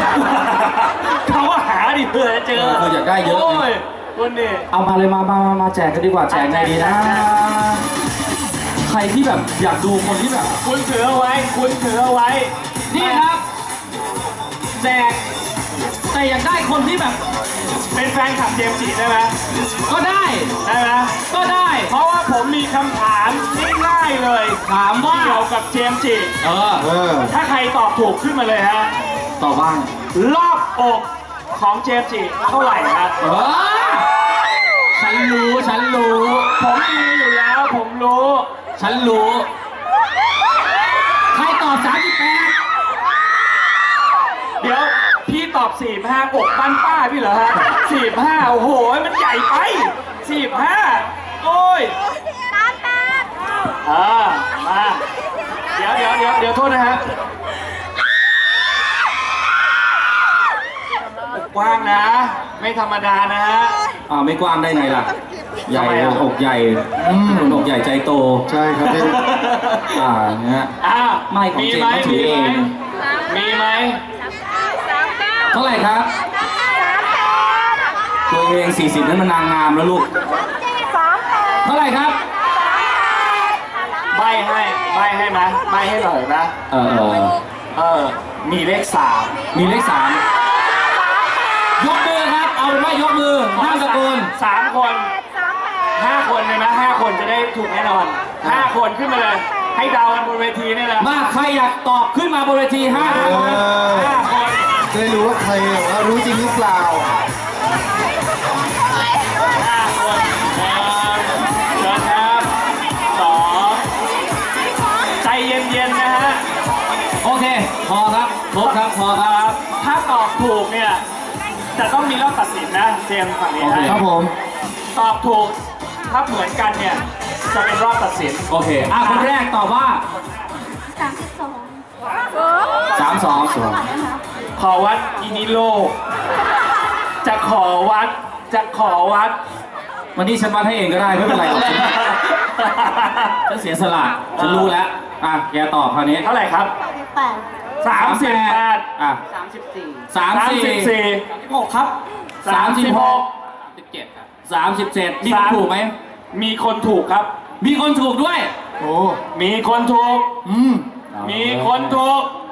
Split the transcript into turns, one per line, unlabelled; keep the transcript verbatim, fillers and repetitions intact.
เขาว่าหาดิเผื่อเจอ
เอออยากได้เยอะ
โอ้ยคนนี้
เอามาเลยมามามามาแจกกันดีกว่าแจกไงดีนะใครที่แบบอยากดูคนที่แบบ
คุณถือเอาไว้คุณถือเอาไว้
นี่ครับแจกแต่อยากได้คนที่แบบ
เป็นแฟนคลับเจมส์จิได้ไหม
ก็ได้
ได้ไหม
ก็ได้
เพราะว่าผมมีคำถามง่ายๆเลย
ถามว่า
เกี่ยวกับเจมส์จิ
เออเออ
ถ้าใครตอบถูกขึ้นมาเลยฮะ
ตอบบ้าง
รอบอกของเจมส์จิเท่าไหร่ครับ
เออฉันรู้ฉันรู้
ผมมีอยู่แล้วผมรู้
ฉันรู้ใครตอบสามสิบแปด
เดี๋ยวพี่ตอบสี่ห้าอกบ้านป้าพี่เหรอฮะสี่ห้าโอ้โหมันใหญ่ไปสี่ห้าโอ้ยอ่ามาเดี๋ยวเดี๋ยวเดี๋ยวเดี๋ยวโทษนะฮะอกกว้างนะไม่ธรรมดานะฮะ
อ่าไม่กว้างได้ไงล่ะใหญ่อกใหญ่อกใหญ่ใจโต
ใช่ครับพี่
อ่าเนี่ย
อ่า
ไม่ของเจมส์ถือเอง
มีไหม
เท่าไหร่ครับตัวเองสี่สิบนั้นมันนางงามแล้วลูกเท่าไหร่ครับ
ใบให้ใบให้ไหมใบให้หน่อยนะ
เออเออ
เออมีเลขสาม
มีเลขสามยกมือครับเอาเป็นว่ายกมือห้าตะโกน
สามคนห้าคนเลยนะห้าคนจะได้ถูกแน่นอนห้าคนขึ้นมาเลยให้เดากันบนเวทีนี่แหละ
มาใครอยากตอบขึ้นมาบนเวทีห้าคน
ห้าคน
จะได้รู้ว่าใครรู้จริงหรือเปล่า
ห้าคนหนึ่งเชิญครับสองใจเย็นๆนะฮะ
โอเคพอครับครบครับพอครับ
ถ้าตอบถูกเนี่ยจะต้องมีรอบตัดสินนะเจมส์ฝั่งนี้
ครับผม
ตอบถูกถ้าเหมือนกันเนี่ยจะเป็นรอบตัดสิน
โอเคอ่ะคนแรกตอบว่า
สามสิบสอง
สามสองสอง
ขอวัดอินิโลจะขอวัดจะขอวัด
วันนี้ฉันวัดให้เองก็ได้ไม่เป็นไรหรอกฉันเสียสละฉันรู้แล้วอ่ะแกตอบคราวนี้
เท่าไหร่ครับ
แปด
สามสิบแปด
อ่ะ
สามสิบสี่
สามสิบสี่หกครับสามสิบหกสิบเจ็ดครับสามสิบเจ็ดมีคนถูกไหม
มีคนถูกครับ
มีคนถูกด้วย
โอ้
มีคนถูก
อืม
มีคนถูก